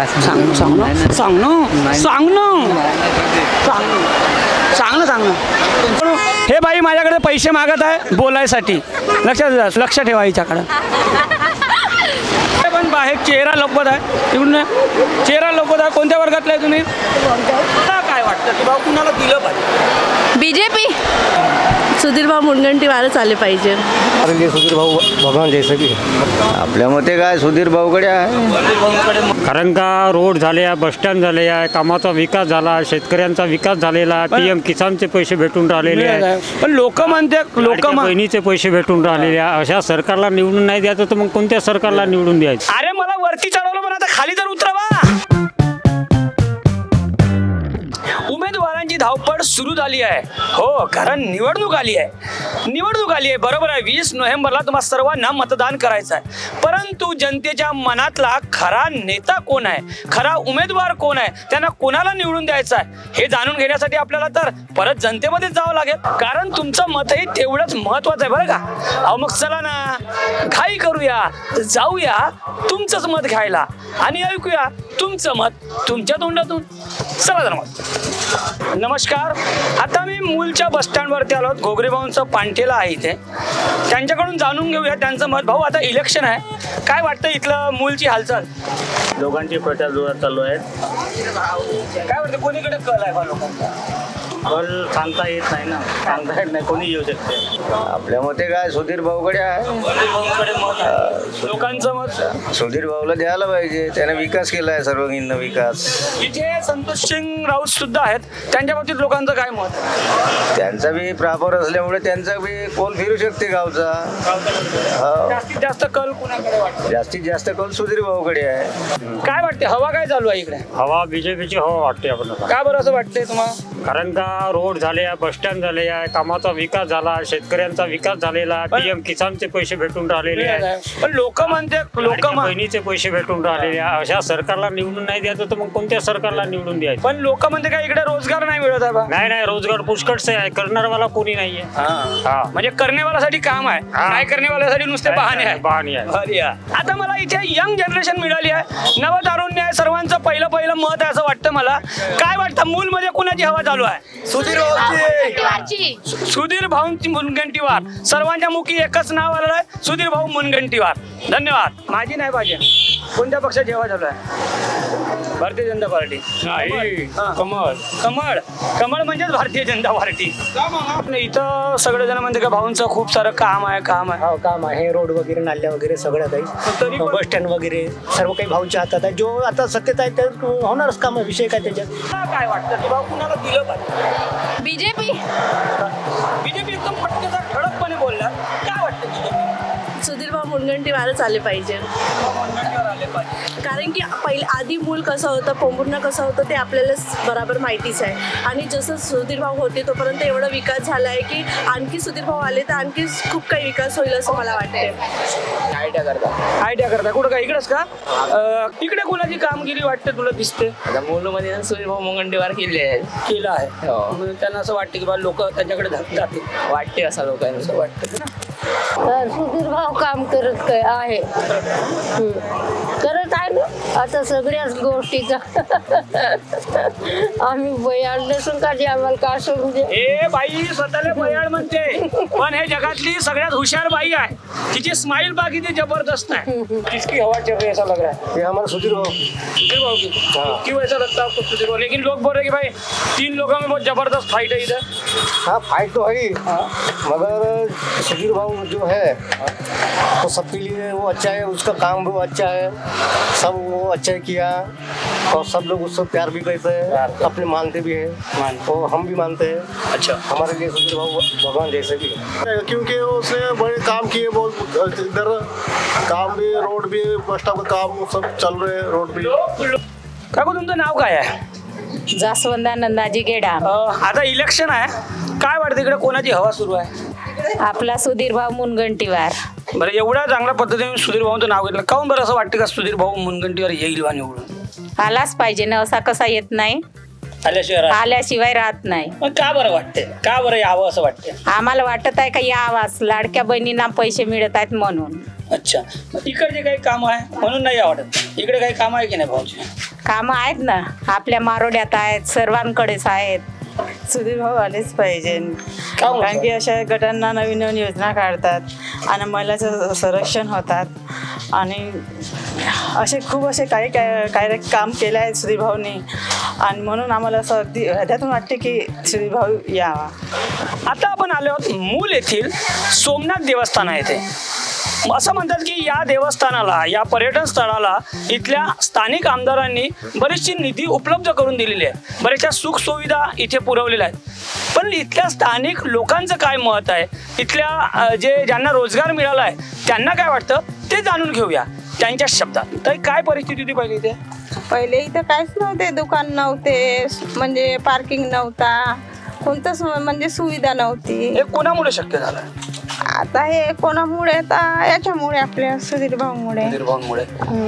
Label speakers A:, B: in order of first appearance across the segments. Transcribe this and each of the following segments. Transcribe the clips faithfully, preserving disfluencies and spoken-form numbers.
A: सांग सांग ना सांग ना सांग ना सांग ना सांग ना हे बाई माझ्याकडे पैसे मागत आहे बोलायसाठी. लक्षात लक्ष ठेवा हिच्याकडं. पण बाहेर चेहरा लपवत आहे तिकडून चेहरा लपवत आहे. कोणत्या वर्गातला आहे तुम्ही? काय वाटतं की बाबा कुणाला दिलं पाहिजे?
B: बीजेपी. सुधीर भाऊ मुनगंटीवारच आले पाहिजे.
C: सुधीर भाऊ भगवान जैसे भी आपल्या मते काय सुधीर भाऊकडे आहे.
D: कारण का रोड झाले आहे, बसस्टँड झाले आहे, कामाचा विकास झाला, शेतकऱ्यांचा विकास झालेला आहे, पी एम किसानचे पैसे भेटून राहिलेले आहेत.
A: पण लोक म्हणते लोक
D: बहिणीचे पैसे भेटून राहिलेले आहे. अशा सरकारला निवडून नाही द्यायचं तर मग कोणत्या सरकारला निवडून द्यायचं?
A: अरे मला वरती चढवलं पण आता खाली तर उतरवा. उमेदवारांची धावपळ सुरू झाली आहे. हो, कारण निवडणूक आली आहे. निवडणूक आली आहे बरोबर आहे. वीस नोव्हेंबरला तुम्हा सर्वांना मतदान करायचं आहे. परंतु जनतेच्या मनातला खरा नेता कोण आहे, खरा उमेदवार कोण आहे, त्यांना कोणाला निवडून द्यायचं आहे हे जाणून घेण्यासाठी आपल्याला तर परत जनतेमध्येच जावं लागेल. कारण तुमचं मतही तेवढंच महत्वाचं आहे बरं का. अहो मग चला ना, घाई करूया, जाऊया तुमचंच मत घ्यायला आणि ऐकूया तुमचं मत तुमच्या तोंडातून. चला तर मग. नमस्कार. आता मी मूलच्या बस स्टँडवरती आलो. घोगरे भाऊंचं पांठेला आहे इथे. त्यांच्याकडून जाणून घेऊया त्यांचं मत. भाऊ आता इलेक्शन आहे, काय वाटतं इथलं मूलची हालचाल?
D: दोघांची प्रचार जोरात चालू आहे.
A: काय वाटतं कोणीकडे कल आहे बा लोकांचा?
D: कल सांगता येत नाही ना, सांगता येत नाही, कोणी येऊ शकते.
C: आपल्या मते काय सुधीर भाऊकडे आहे.
A: लोकांचं मत
C: सुधीर भाऊला द्यायला पाहिजे. त्याने विकास केला आहे, सर्वांगीण विकास.
A: इथे संतोष सिंग राऊत सुद्धा आहेत. त्यांच्या बाबतीत लोकांचं काय मत?
C: त्यांचा बी प्रापर असल्यामुळे त्यांचा बी कोल फिरू शकते गावचा. हो.
A: जास्तीत जास्त कल कुणाकडे वाटतं?
C: जास्तीत जास्त कोल सुधीर भाऊकडे आहे.
A: काय वाटते हवा काय चालू आहे इकडे?
D: हवा बीजेपीची हवा वाटते आपल्याला.
A: का बरं असं वाटतंय तुम्हाला?
D: कारण का रोड झाले आहे, बसस्टँड झाले आहे, कामाचा विकास झाला, शेतकऱ्यांचा विकास झालेला आहे, पी एम किसानचे पैसे भेटून राहिलेले आहेत.
A: पण लोक म्हणते लोक
D: बहिणीचे पैसे भेटून राहिलेले आहे. अशा सरकारला निवडून नाही द्यायचं तर मग कोणत्या सरकारला निवडून द्यायचं?
A: पण लोक म्हणते काय इकडे रोजगार नाही मिळत आहे बा?
D: नाही नाही, रोजगार पुष्कळचे आहे, करणारवाला कोणी नाहीये.
A: हा, म्हणजे करण्यावाल्यासाठी काम आहे,
D: हा.
A: काय करण्यावाल्यासाठी नुसते बहाणे आहे.
D: बहाणे आहे.
A: अरे या. आता मला इथे यंग जनरेशन मिळाली आहे, नवतारुण्य आहे, सर्वांचं पहिलं पहिलं मत आहे असं वाटतं मला. काय वाटतं मूल मध्ये कुणाची हवा चालू आहे? सुधीर भाऊची. सुधीर भाऊंची मुनगंटीवार. सर्वांच्या मुखी एकच नाव आलेलं आहे, सुधीर भाऊ मुनगंटीवार. धन्यवाद. माझी नाही पाहिजे. कोणत्या पक्षाची हवा चालू आहे? भारतीय जनता पार्टी. कमळ. कमळ कमळ म्हणजेच भारतीय जनता पार्टी. इथं सगळेजण म्हणते का भाऊंचं खूप सारं काम आहे काम आहे.
E: हो, काम आहे. रोड वगैरे नाल्या वगैरे सगळं काही,
A: तरी पण-
E: बस स्टँड वगैरे सर्व काही भाऊच्या हातात आहे. जो आता सत्तेत आहे ते होणारच काम आहे. विषय काय त्याच्यात?
A: तुला काय वाटतं की भाऊ कुणाला दिलं पाहिजे?
B: बीजेपी.
A: बीजेपी एकदम पटकेचा ठळकपणे बोलला. काय वाटतं बीजेपी?
B: सुधीर भाऊ मुनगंटीवारच आले पाहिजे. कारण की पहिले आधी मूल कसं होतं, पोंभुर्णा कसं होतं ते आपल्याला बराबर माहितीच आहे. आणि जसं सुधीर भाऊ होते तोपर्यंत एवढा विकास झाला आहे की आणखी सुधीर भाऊ आले तर आणखी खूप काही विकास होईल असं मला वाटते.
A: आयडिया करता आयडिया करता कुठं काय इकडेच का? अं, इकडे कोणाची कामगिरी वाटते तुला दिसते?
F: आता मूलमध्ये सुधीर भाऊ मुनगंटीवार केले आहेत.
A: केलं आहे.
F: हो.
A: म्हणून त्यांना असं वाटतं की बा लोक त्यांच्याकडे जात- जातील
F: वाटते असं लोकांना.
A: असं वाटतं ना.
G: तर सुधीर भाऊ काम करत काय आहे हम्म. करत आहे ना आता सगळ्याच गोष्टीचा. आम्ही बयाड नसून का जे आम्हाला का सोडून दे.
A: ए बाई स्वतःला बयाड म्हणते, पण हे जगातली सगळ्यात हुशार बाई आहे. तिची स्माइल बाकी ती जबरदस्त है. किसकी हवा चल रही है ऐसा लग रहा है?
C: हे आम्हाला सुधीर भाऊ.
A: सुधीर भाऊ की? क्यों ऐसा लगता है आपको सुधीर भाऊ? लेकिन लोग बोल रहे कि भाई तीन लोगों में बहुत जबरदस्त फाइट है इधर.
C: हाँ फाइट तो है ही, मगर सुधीर भाऊ जो है तो सबके लिए वो अच्छा है. उसका काम भी वो अच्छा है, सब वो अच्छा किया और सब लोग उससे प्यार भी करते हैं, अपने मानते भी हैं और हम भी मानते हैं.
A: अच्छा.
C: हमारे लिए सुधीर भाऊ भगवान जैसे भी है.
H: क्योंकि उसने बड़े काम किए बहुत. इधर काम भी, रोड भी, बस स्टॉप का काम सब चल रहे हैं. रोड भी.
A: काकू तुमचं नाव काय आहे?
G: जास्वंदा नंदाजी गेडा.
A: अं, आता इलेक्शन आहे, काय वाटतं इकडे कोणाची हवा सुरू आहे?
G: आपला सुधीर भाऊ मुनगंटीवार.
A: बरं, एवढ्या चांगल्या पद्धतीने सुधीर भाऊंचं नाव घेतलं, काहून बरं असं वाटतं का सुधीर भाऊ मुनगंटीवार येईल बा निवडून?
G: आलाच पाहिजे ना, असा कसा येत नाही.
A: आल्याशिवाय राहत-
I: आल्याशिवाय राहत नाही.
A: मग का बरं वाटते, का बरं यावं असं वाटते?
I: आम्हाला वाटत आहे का यावाच, लाडक्या बहिणींना पैसे मिळत आहेत म्हणून.
A: अच्छा, मग इकडचे काही काम आहे म्हणून नाही आवडत? इकडे काही काम आहे की नाही भाऊची?
I: कामं आहेत ना, आपल्या मारोड्यात आहेत, सर्वांकडेच आहेत.
J: सुधीर भाऊ आलेच पाहिजे,
A: का म्हणतो?
J: कारण की अशा गटांना नवीन नवीन योजना काढतात आणि महिलाचं संरक्षण होतात आणि असे खूप असे काही काय काय काम केले आहेत सुधीर भाऊनी आणि म्हणून आम्हाला असं अगदी हृदयातून वाटते की सुधीर भाऊ यावा.
A: आता आपण आलो आहोत मूल येथील सोमनाथ देवस्थान आहे ते. असं म्हणतात की या देवस्थानाला, या पर्यटन स्थळाला इथल्या स्थानिक आमदारांनी बरीचशी निधी उपलब्ध करून दिलेली आहे, बऱ्याचशा सुखसुविधा इथे पुरवलेल्या आहेत. पण इथल्या स्थानिक लोकांचं काय मत आहे, इथल्या अ, जे ज्यांना रोजगार मिळाला आहे त्यांना काय वाटतं ते जाणून घेऊया त्यांच्या शब्दात. तर काय परिस्थिती होती पहिली इथे?
K: पहिले इथं काहीच नव्हते, दुकान नव्हते, म्हणजे पार्किंग नव्हता, कोणतंच म्हणजे सुविधा नव्हती.
A: हे कोणामुळे शक्य झालं?
K: आता हे कोणामुळे, आता याच्यामुळे आपल्या सुधीर भाऊमुळे.
A: निर्भावांमुळे.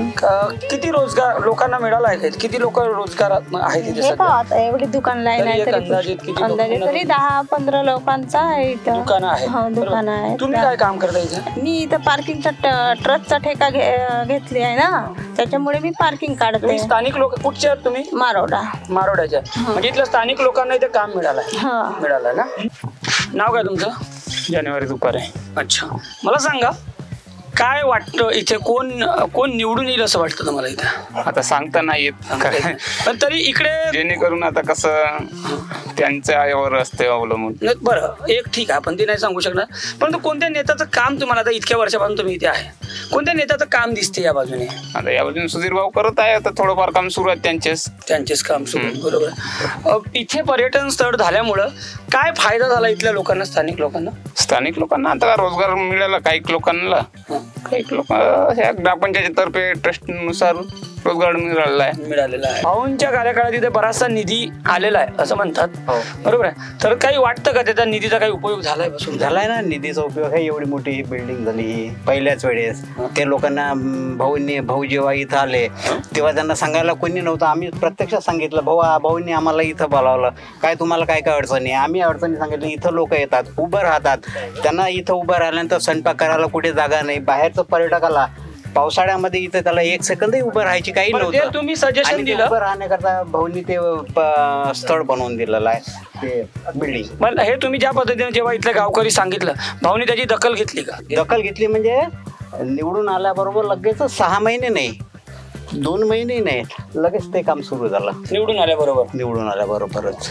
A: क- किती रोजगार लोकांना मिळाला आहे? किती लोक रोजगारात आहेत इथे
K: हे
A: सध्या?
K: पहा आता एवढी दुकान लाईन
A: तरी
K: आहे
A: एक
K: तरी
A: अंदाजित किती लोकं
K: अंदाजे
A: पुन्हा-
K: तरी दहा पंधरा लोकांचा आहे इथं.
A: दुकानं आहेत.
K: हो दुकान
A: बरोबर.
K: आहे.
A: तुम्ही काय काम करता इथे?
K: मी इथं पार्किंगचा ट- ट्रकचा ठेका घे- घेतली आहे ना, त्याच्यामुळे मी पार्किंग काढते.
A: तुम्ही स्थानिक लोक कुठचे आहात तुम्ही?
K: मारोडा.
A: मारोड्याच्या. म्हणजे इथल्या स्थानिक लोकांना इथे काम मिळालंय.
K: हा.
A: मिळालंय ना. नाव काय तुमचं?
D: जानेवारी दुपारे.
A: अच्छा, मला सांगा काय वाटतं इथे कोण कोण निवडून येईल असं वाटतं तुम्हाला इथे?
L: आता सांगता नाही येत, कारण
A: पण तरी इकडे
L: जेणेकरून आता कसं त्यांच्या यावर असते अवलंबून.
A: नाही, बरं एक ठीक आहे, पण ते नाही सांगू शकणार. परंतु कोणत्या नेत्याचं काम तुम्हाला, आता इतक्या वर्षापासून तुम्ही इथे आहे, कोणत्या नेत्याचं काम दिसते या बाजूने?
L: आता या बाजूने सुधीर भाऊ करत आहे, आता थोडंफार काम सुरू आहे त्यांचेच
A: त्यांचेच काम सुरू आहे. बरोबर. अ, इथे पर्यटन स्थळ झाल्यामुळं काय फायदा झाला इथल्या लोकांना, स्थानिक लोकांना?
L: स्थानिक लोकांना आता रोजगार मिळाला काही लोकांना, काही लोक ह्या ग्रामपंचायतीतर्फे ट्रस्टनुसार रोजगार मिळालेला आहे
A: मिळालेला आहे. भाऊंच्या कार्यकाळात इथे बराचसा निधी आलेला आहे असं म्हणतात. बरोबर आहे. तर काही वाटतं का त्याचा निधीचा काही उपयोग झालाय बसून?
E: झालाय ना, निधीचा उपयोग आहे. एवढी मोठी ही बिल्डिंग झाली ही पहिल्याच वेळेस. ते लोकांना अं, भाऊंनी भाऊ जेव्हा इथं आले तेव्हा त्यांना सांगायला कोणी नव्हतं. आम्ही प्रत्यक्षात सांगितलं, भाऊ भाऊंनी आम्हाला इथं बोलावलं, काय तुम्हाला काय काय अडचणी आहे. आम्ही अडचणी सांगितलं, इथं लोक येतात, उभं राहतात, त्यांना इथं उभं राहिल्यानंतर स्वयंपाक करायला कुठे जागा नाही. बाहेरचं पर्यटकाला पावसाळ्यामध्ये इथं त्याला एक सेकंदही उभं राहायची काही
A: बरं, ते
E: नव्हतं.
A: तुम्ही सजेशन
E: आणि ते
A: दिलं.
E: उभं राहण्याकरता भाऊंनी ते प- स्थळ बनवून दिलेलं आहे, ते बिल्डिंग.
A: मला हे तुम्ही ज्या पद्धतीने जेव्हा इथल्या गावकरी सांगितलं, भाऊनी त्याची दखल घेतली का?
E: दखल घेतली म्हणजे निवडून आल्याबरोबर लगेच सहा महिने नाही, दोन महिने नाही, लगेच ते काम सुरू झालं.
A: निवडून आल्याबरोबर
E: निवडून आल्याबरोबरच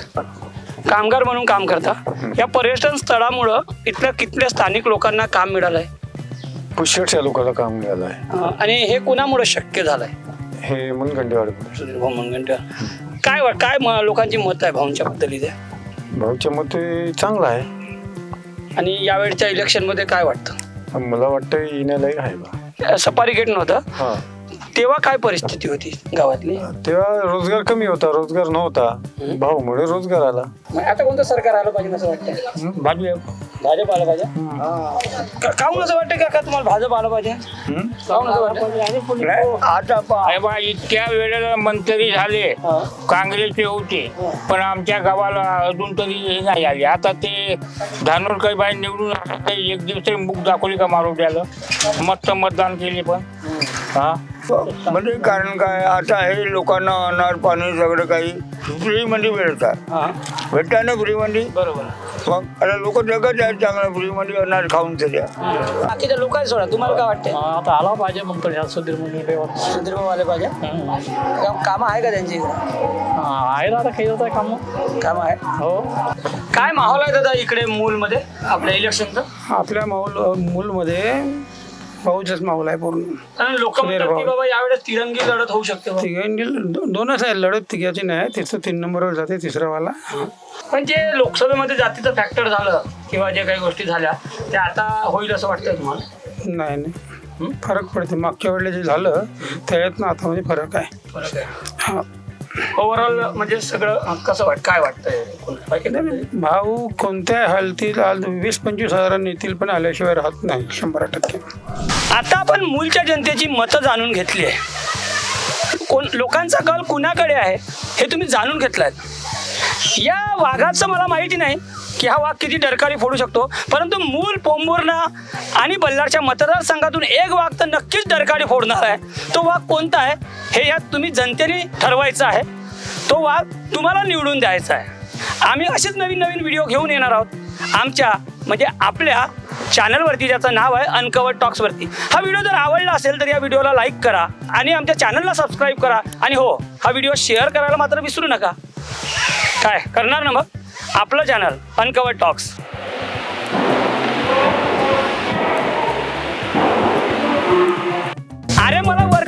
A: कामगार म्हणून काम करता. या पर्यटन स्थळामुळं इथल्या कितल्या स्थानिक लोकांना काम मिळालंय?
H: पुष्कळशा लोकांना काम मिळालं आहे.
A: अं, आणि हे कुणामुळे शक्य झालंय?
H: हे मनगंडेवाडी
A: सुधीर भाऊ मुनगंटीवार. काय वा- काय म- लोकांची मत आहे भाऊंच्या बद्दल इथे?
H: भाऊच्या मते चांगला आहे.
A: आणि यावेळच्या इलेक्शन मध्ये काय वाटतं?
H: मला वाटतं येण्यालायक आहे बा.
A: सफारी गेट नव्हतं
H: हा,
A: तेव्हा काय परिस्थिती होती गावातली?
H: तेव्हा रोजगार कमी होता, रोजगार नव्हता. भाऊमुळे रोजगार आला.
A: मग आता कोणतं सरकार आलं पाहिजे असं वाटतं?
D: भाजप.
A: भाजप आलं पाहिजे. का- काहून असं वाटतं काका तुम्हाला भाजप आलं पाहिजे? काहून असं वाटतं?
D: आता पहा, इतक्या वेळेला मंत्री झाले, काँग्रेसचे होते, पण आमच्या गावाला अजून तरी हे नाही आले. आता ते धानोरकर बाई निवडून आले, ते एक दिवस मुख दाखवली का मारोट्याला, मस्त मतदान केले. पण हा
M: म्हणजे कारण काय, आता हे लोकांना अनार पाणी सगळं काही फ्री मध्ये मिळतात, भेटतात ना फ्री मध्ये.
A: बरोबर.
M: मग आता लोक जगत आहेत चांगलं फ्री मध्ये अनार खाऊन तरी.
A: बाकीच्या लोक आहे सोडा, तुम्हाला काय वाटतं?
D: आता आला पाहिजे मग तर सुधीर मुनगंटीवार.
A: सुधीर भाऊ आले पाहिजे. काम आहे का त्यांची इकडे?
D: आहे ना, आता काही होत आहे काम.
A: काम आहे.
D: हो.
A: काय माहोल आहे दादा इकडे मूल मध्ये आपल्या इलेक्शनचा?
D: आपल्या माहोल मूलमध्ये भाऊचाच माहोल आहे पूर्ण.
A: लोक म्हणतात की बाबा यावेळेस तिरंगी लढत होऊ शकते बा.
D: तिघांची दोनच आहे लढत, तिघाची नाही. तिथं तीन नंबरवर जाते तिसरावाला.
A: पण जे लोकसभेमध्ये जातीचं फॅक्टर झालं किंवा जे काही गोष्टी झाल्या ते आता होईल असं वाटतंय तुम्हाला?
D: नाही नाही, फरक पडते. मागच्या वेळेला जे झालं त्याच्यात ना आता मध्ये फरक आहे.
A: फरक आहे.
D: हा.
A: ओव्हरऑल म्हणजे सगळं कसं वाट काय वाटतंय?
D: भाऊ कोणत्या हालतील वीस पंचवीस हजारांनी येतील, पण आल्याशिवाय राहत नाही शंभर टक्के.
A: आता आपण मूलच्या जनतेची मतं जाणून घेतली आहे. कोण लोकांचा कल कुणाकडे आहे हे तुम्ही जाणून घेतलाय. या वाघाचं मला माहिती नाही की हा वाघ किती डरकाळी फोडू शकतो, परंतु मूल पोंभुर्णा आणि बल्लारच्या मतदारसंघातून एक वाघ तर नक्कीच डरकाळी फोडणार आहे. तो वाघ कोणता आहे हे यात तुम्ही जनतेने ठरवायचं आहे. तो वाघ तुम्हाला निवडून द्यायचा आहे. आम्ही असेच नवीन नवीन व्हिडिओ घेऊन येणार आहोत आमच्या म्हणजे आपल्या चॅनलवरती, ज्याचं नाव आहे अनकवर्ड टॉक्सवरती. हा व्हिडिओ जर आवडला असेल तर या व्हिडिओला लाईक करा आणि आमच्या चॅनलला सबस्क्राईब करा. आणि हो, हा व्हिडिओ शेअर करायला मात्र विसरू नका. काय करणार ना मग? आपलं चॅनल अनकवर्ड टॉक्स. अरे मला